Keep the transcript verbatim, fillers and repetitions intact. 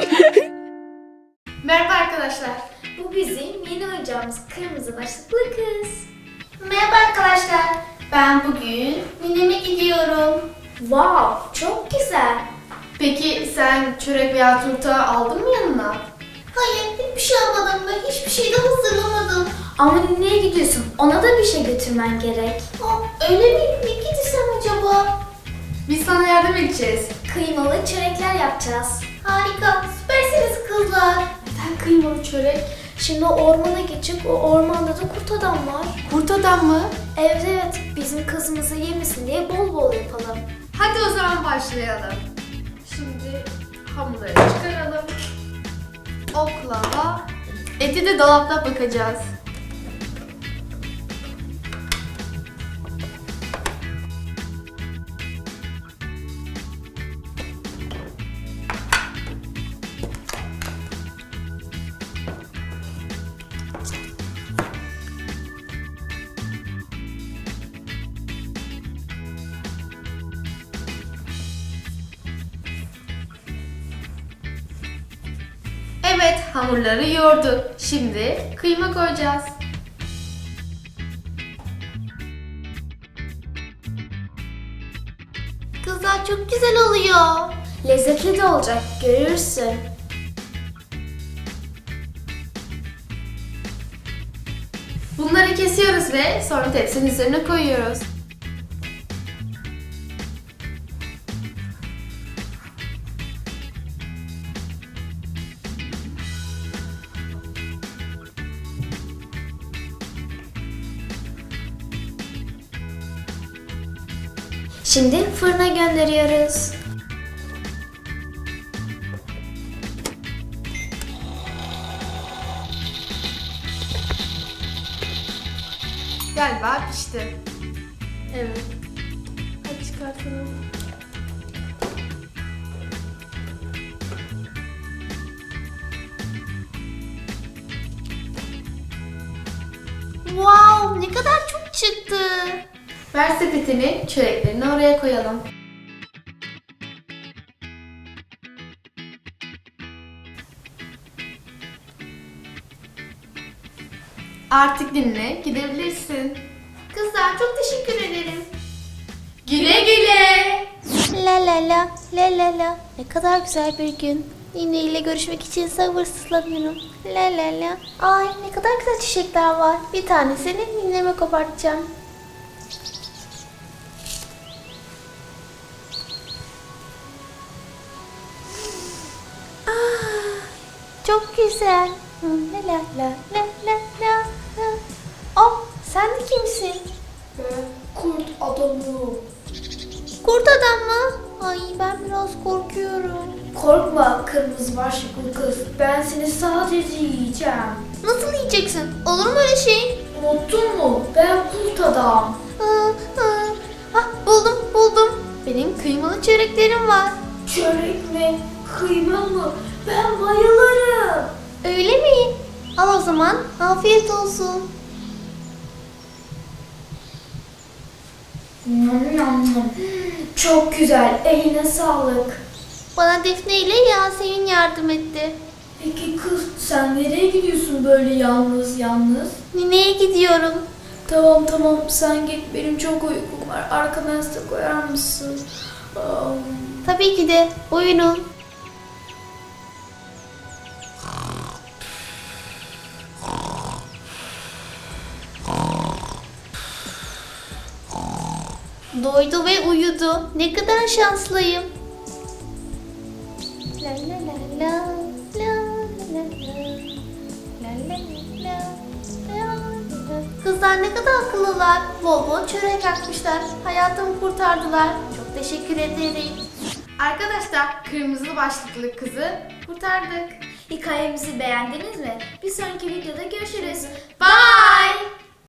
Merhaba arkadaşlar. Bu bizim yeni oyuncağımız kırmızı başlıklı kız. Merhaba arkadaşlar. Ben bugün Ninem'e gidiyorum. Wow, çok güzel. Peki sen çörek veya turta aldın mı yanına? Hayır, hiçbir şey almadım ve hiçbir şey de hazırlamadım. Ama nereye gidiyorsun? Ona da bir şey götürmen gerek. Aa, öyle mi? Ne gitsem acaba? Biz sana yardım edeceğiz. Kıymalı çörekler yapacağız. Harika, süpersiniz kızlar. Neden kıymalı çörek? Şimdi ormana geçip o ormanda da kurt adam var. Kurt adam mı? Evet evet, bizim kızımızı yemesin diye bol bol yapalım. Hadi o zaman başlayalım. Şimdi hamurları çıkaralım. Oklava. Eti de dolapta bakacağız. Evet, hamurları yoğurduk. Şimdi kıyma koyacağız. Kızlar çok güzel oluyor. Lezzetli de olacak, görürsün. Bunları kesiyoruz ve sonra tepsinin üzerine koyuyoruz. Şimdi fırına gönderiyoruz. Galiba pişti. Evet. Hadi çıkartalım. Wow, ne kadar çok çıktı. Ver sepetini, çöreklerini oraya koyalım. Artık dinle, gidebilirsin. Kızlar çok teşekkür ederim. Güle güle. La la la, la la la. Ne kadar güzel bir gün. Nine ile görüşmek için sabırsızlanıyorum. La la la. Ay ne kadar güzel çiçekler var. Bir tanesini nineme kopartacağım. Ah, çok güzel. Hı, La la la la la la. la. Oh, sen de kimsin? Ben kurt adamım. Kurt adam mı? Ay ben biraz korkuyorum. Korkma kırmızı başlıklı kız. Ben seni sadece yiyeceğim. Nasıl yiyeceksin? Olur mu öyle şey? Unuttun mu? Ben kurt adam. Aa, aa. Ah, buldum buldum. Benim kıymalı çöreklerim var. Çörek mi? Kıyma mı? Ben bayılırım. Öyle mi? Al o zaman. Afiyet olsun. Nom nom nom. Çok güzel. Eline sağlık. Bana Defne ile Yasemin yardım etti. Peki kız sen nereye gidiyorsun böyle yalnız yalnız? Nine'ye gidiyorum. Tamam tamam sen git, benim çok uykum var. Arkana yastık koyar mısın? Am, Tabii ki de. Buyurun. Doydu ve uyudu. Ne kadar şanslıyım. La la la la la la la la la la la la. Kızlar ne kadar akıllılar. Bol bol çörek yakmışlar. Hayatımı kurtardılar. Çok teşekkür ederim. Arkadaşlar, kırmızı başlıklı kızı kurtardık. Hikayemizi beğendiniz mi? Bir sonraki videoda görüşürüz. Bye.